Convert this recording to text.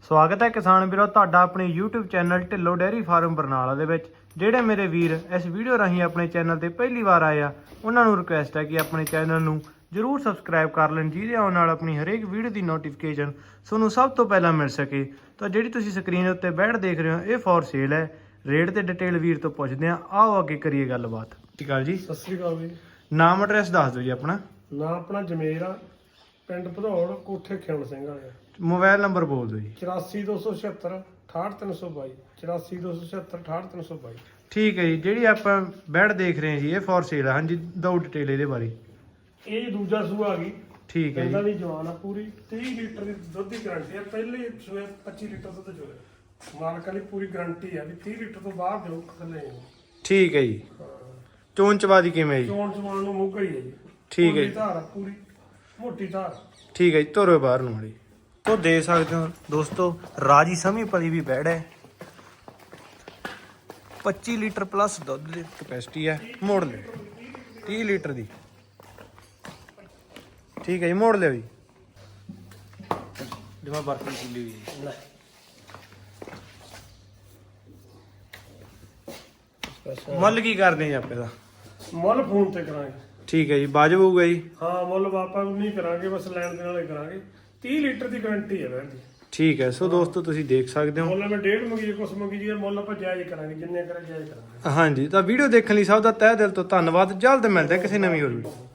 ਸਵਾਗਤ ਹੈ ਕਿਸਾਨ ਵੀਰੋ ਤੁਹਾਡਾ ਆਪਣੇ YouTube channel Dhillon dairy farm Barnala ਦੇ ਵਿੱਚ। ਜਿਹੜੇ ਮੇਰੇ ਵੀਰ ਇਸ ਵੀਡੀਓ ਰਾਹੀਂ ਆਪਣੇ ਚੈਨਲ ਤੇ ਪਹਿਲੀ ਵਾਰ ਆਏ ਆ ਉਹਨਾਂ ਨੂੰ ਰਿਕੁਐਸਟ ਹੈ ਕਿ ਆਪਣੇ ਚੈਨਲ ਨੂੰ ਜਰੂਰ ਸਬਸਕ੍ਰਾਈਬ ਕਰ ਲੈਣ, ਜਿਹਦੇ ਆਉਣ ਨਾਲ ਆਪਣੀ ਹਰੇਕ ਵੀਡੀਓ ਦੀ ਨੋਟੀਫਿਕੇਸ਼ਨ ਤੁਹਾਨੂੰ ਸਭ ਤੋਂ ਪਹਿਲਾਂ ਮਿਲ ਸਕੇ। ਤਾਂ ਜਿਹੜੀ ਤੁਸੀਂ ਸਕਰੀਨ ਉੱਤੇ ਬੈਠ ਦੇਖ ਰਹੇ ਹੋ ਇਹ ਫॉर ਸੇਲ ਹੈ। ਰੇਟ ਤੇ ਡਿਟੇਲ ਵੀਰ ਤੋਂ ਪੁੱਛਦੇ ਆ, ਆਓ ਅੱਗੇ ਕਰੀਏ ਗੱਲਬਾਤ। ਸਤਿ ਸ਼੍ਰੀ ਅਕਾਲ ਜੀ। ਸਤਿ ਸ੍ਰੀ ਅਕਾਲ ਜੀ। ਨਾਮ ਐਡਰੈਸ ਦੱਸ ਦਿਓ ਜੀ ਆਪਣਾ। ਨਾਂ ਆਪਣਾ ਜਮੇਰ ਆ, ਪਿੰਡ ਭਦੌੜ, ਕੋਠੇ ਖਿਆਣ ਸਿੰਘ ਵਾਲੇ। ਮੋਬਾਈਲ ਨੰਬਰ ਬੋਲ ਦਿਓ ਜੀ। 8427 68322 8427 68322। ਠੀਕ ਹੈ ਜੀ। ਜਿਹੜੀ ਆਪਾਂ ਬੈਡ ਦੇਖ ਰਹੇ ਹਾਂ ਜੀ ਇਹ ਫॉर ਸੇਲ ਹੈ। ਹਾਂਜੀ ਦੋ ਡਿਟੇਲ ਇਹਦੇ ਬਾਰੇ। ਇਹ ਦੂਜਾ ਸੂਆ ਆ ਗਈ। ਠੀਕ ਹੈ ਇਹਦਾ ਜੀ। ਵੀ ਜਵਾਨ ਆ, ਪੂਰੀ 30 ਲੀਟਰ ਦੀ ਦੁੱਧ ਦੀ ਗਾਰੰਟੀ ਆ। ਪਹਿਲੇ ਸੂਏ 25 ਲੀਟਰ ਦੁੱਧ ਚੋਇਆ। ਮਾਲਕਾਂ ਦੀ ਪੂਰੀ ਗਾਰੰਟੀ ਆ ਵੀ 30 ਲੀਟਰ ਤੋਂ ਬਾਹਰ ਦਿਓ ਥੱਲੇ। ਠੀਕ ਹੈ ਜੀ। ਚੋਣ ਚਵਾਦੀ ਕਿਵੇਂ ਜੀ? ਚੋਣ ਚਵਾਨ ਨੂੰ ਮੁੱਕ ਗਈ ਹੈ ਜੀ। ਠੀਕ ਹੈ ਜੀ। ਧਾਰ ਆ ਪੂਰੀ ਮੋਟੀ ਧਾਰ। ਠੀਕ ਹੈ ਜੀ। ਧੋਰੋ ਬਾਹਰ ਨੂੰ ਮੜੀ ਤੋਂ ਦੇ ਸਕਦੇ ਹੋ ਦੋਸਤੋ। ਰਾਜੀ ਸਮੀ ਪਲੀ ਵੀ ਬੈੜ ਹੈ। 25 ਲੀਟਰ ਪਲੱਸ ਦੁੱਧ ਦੀ ਕਪੈਸਿਟੀ ਹੈ। ਮੋੜ ਲਿਓ 30 ਲੀਟਰ ਦੀ। ਠੀਕ ਹੈ ਜੀ, ਮੋੜ ਲਿਓ ਜੀ। ਜਿਵੇਂ ਬਰਫੀ ਫੁੱਲੀ ਹੋਈ ਹੈ। ਮੁੱਲ ਕੀ ਕਰਦੇ ਜੀ ਆਪੇ ਦਾ? ਮੁੱਲ ਫੋਨ ਤੇ ਕਰਾਂਗੇ। ਠੀਕ ਹੈ ਜੀ, ਵਾਜਬ ਹੋਊਗਾ ਜੀ। ਹਾਂ ਮੁੱਲ ਆਪਾਂ ਨਹੀਂ ਕਰਾਂਗੇ, ਬਸ ਲੈਣ ਦੇ ਨਾਲੇ ਕਰਾਂਗੇ। 30 ਲੀਟਰ ਦੀ ਗਾਰੰਟੀ ਹੈ ਵੈਣ ਦੀ। ਠੀਕ ਹੈ। ਸੋ ਦੋਸਤੋ ਤੁਸੀਂ ਦੇਖ ਸਕਦੇ ਹੋ। ਮੁੱਲ ਮੈਂ 1.5 ਮੰਗੀ, ਕੁਛ ਮੰਗੀ ਜੀ। ਮੁੱਲ ਆਪਾਂ ਜਾਇਜ਼ ਕਰਾਂਗੇ, ਜਿੰਨੇ ਕਰੇ ਜਾਇਜ਼ ਕਰਾਂਗੇ। ਹਾਂਜੀ, ਤਾਂ ਵੀਡੀਓ ਦੇਖਣ ਲਈ ਸਭ ਦਾ ਤਹਿ ਦਿਲ ਤੋਂ ਧੰਨਵਾਦ। ਜਲਦ ਮਿਲਦੇ ਹਾਂ ਕਿਸੇ ਨਵੀਂ ਹੋਰ ਵੀਡੀਓ।